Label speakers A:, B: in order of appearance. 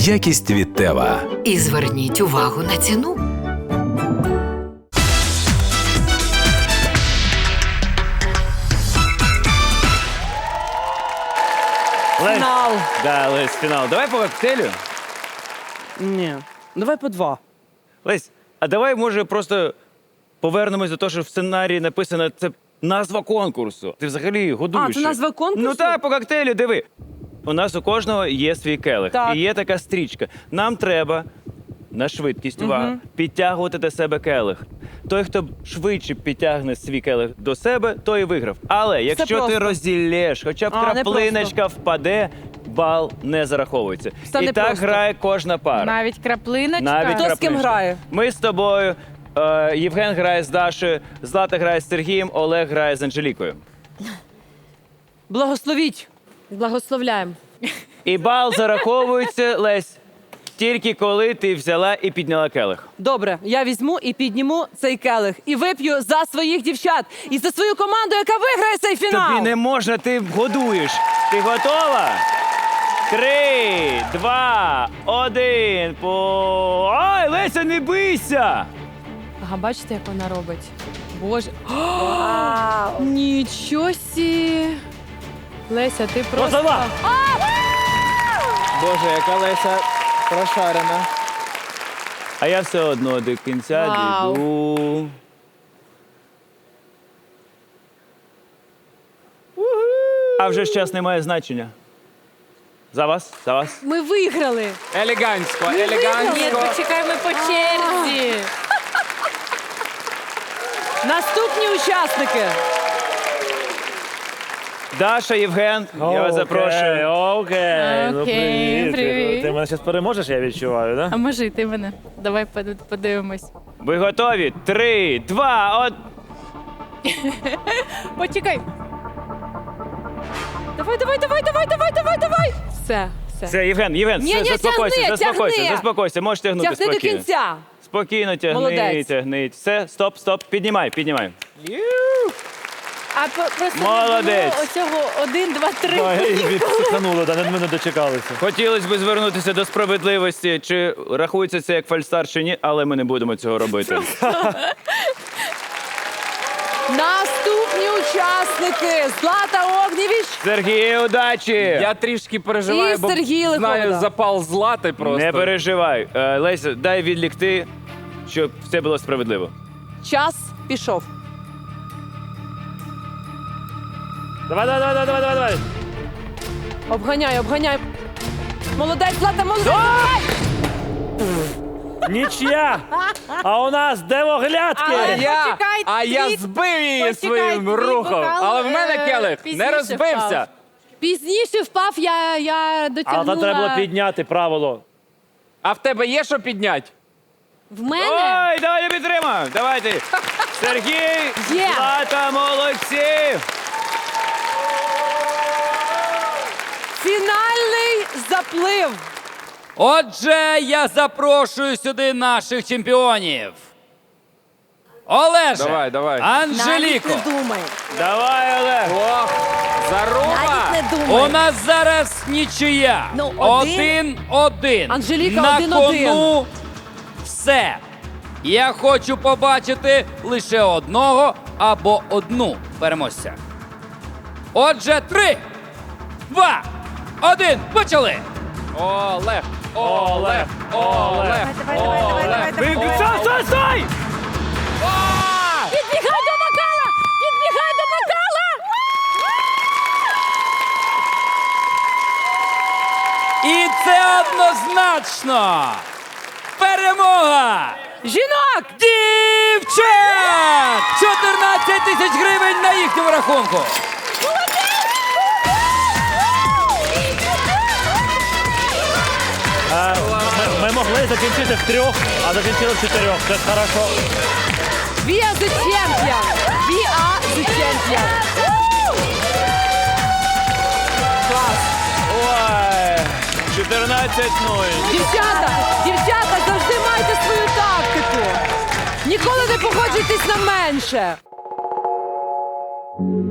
A: Якість від Тева.
B: І зверніть увагу на ціну.
C: Фінал.
D: Да, Лесь, фінал. Давай по коктейлю.
C: Ні. Давай по 2.
D: Лесь, а давай, може, просто повернемось до того, що в сценарії написано, це назва конкурсу. Ти взагалі годуєш.
C: А, це назва конкурсу?
D: Ну так, по коктейлю, диви. У нас у кожного є свій келих.
C: Так.
D: І є така стрічка. Нам треба на швидкість, увага, підтягувати до себе келих. Той, хто швидше підтягне свій келих до себе, той і виграв. Але якщо ти
C: просто.
D: розділєш, хоча б
C: А, не
D: краплиночка впаде, бал не зараховується.
C: Це
D: І
C: не
D: так
C: просто.
D: грає кожна пара.
E: Навіть краплиночка.
D: Навіть
C: Хто з ким
D: краплиночка.
C: грає?
D: Ми з тобою. Євген грає з Дашею, Злата грає з Сергієм, Олег грає з Анжелікою.
C: Благословіть.
E: Благословляємо.
D: І бал зараховується, Лесь, тільки коли ти взяла і підняла келих.
C: Добре, я візьму і підніму цей келих. І вип'ю за своїх дівчат. І за свою команду, яка виграє цей фінал.
D: Тобі не можна, ти годуєш. Ти готова? 3, 2, 1, по... Ай, Леся, не бийся!
E: Ага, бачите, як вона робить? Боже. Нічого сі. Леся, ти просто...
F: Позова! Боже, яка Леся прошарена.
D: А я все одно до кінця
E: Вау.
D: дійду. А вже ж час не має значення. За вас, за вас.
E: Ми виграли.
F: Елегантсько,
E: Ні,
F: елегантсько.
E: почекай, ми по черзі.
C: Наступні учасники.
D: Даша, Євген, я вас запрошую.
F: Окей, ну
E: Окей, привіт.
F: Ти мене зараз переможеш, я відчуваю, да?
E: А може і ти мене? Давай подивимось.
D: Ви готові? 3, 2, 1.
E: Почекай. Давай. Все.
D: Все, Євген,
C: Ні,
D: заспокойся,
C: тягни.
D: заспокойся, можеш тягнути
C: Тягни до
D: спокійно.
C: кінця.
D: Спокійно тягни,
C: Молодець.
D: тягни. Все, стоп, піднімай.
E: А просто
D: Молодець.
E: не було оцього 1, 2, 3.
F: Відсихануло, да, ми не дочекалися.
D: Хотілося б звернутися до справедливості, чи рахується це як фальстарт чи ні, але ми не будемо цього робити.
C: Наступні учасники. Злата Огнєвіч.
D: Сергій, удачі!
F: Я трішки переживаю,
C: І
F: бо
C: Сергій Лиховода.
F: знаю запал Злати просто.
D: Не переживай. Леся, дай відлікти, щоб все було справедливо.
C: Час пішов.
F: Давай.
C: Обганяй. Молодець, Злата, молодець.
F: Нічия! А у нас девоглядки!
E: Почекай,
F: Я
E: твій-
F: збив її
E: почекай,
F: своїм
E: твій
F: рухом,
E: бокал,
F: але в мене келих
E: пізніше
F: не розбився.
E: впав. Пізніше впав, я дотягнула.
F: А там треба було підняти правило. А в тебе є що підняти?
E: В мене?
D: Ой, давай я підтримаю. Давайте. Сергій,
E: Є.
D: Злата, молодці.
C: Фінальний заплив.
G: Отже, я запрошую сюди наших чемпіонів. Олеже,
F: Давай.
G: Анжеліко,
B: Навіть не думай.
D: Давай, Олег.
F: Ох, заруба!
B: Навіть не думай.
G: у нас зараз нічия.
B: Ну,
G: 1-1.
C: Анжеліка,
G: На
C: 1-1.
G: кону все. Я хочу побачити лише одного або одну переможця. Отже, 3, 2, 1, почали!
F: Олег!
B: Давай.
D: Стой!
E: Підбігай до бокала! Підбігай до бокала!
G: І це однозначно перемога
C: Жінок.
G: дівчат! 14 тисяч гривень на їхньому рахунку.
F: Ми могли закінчити в 3, а закінчили в 4. Це хорошо.
C: We are the champion. We are the champion. Клас.
D: Ой, 14-0.
C: Дівчата, завжди майте свою тактику. Ніколи не погоджуйтесь на менше.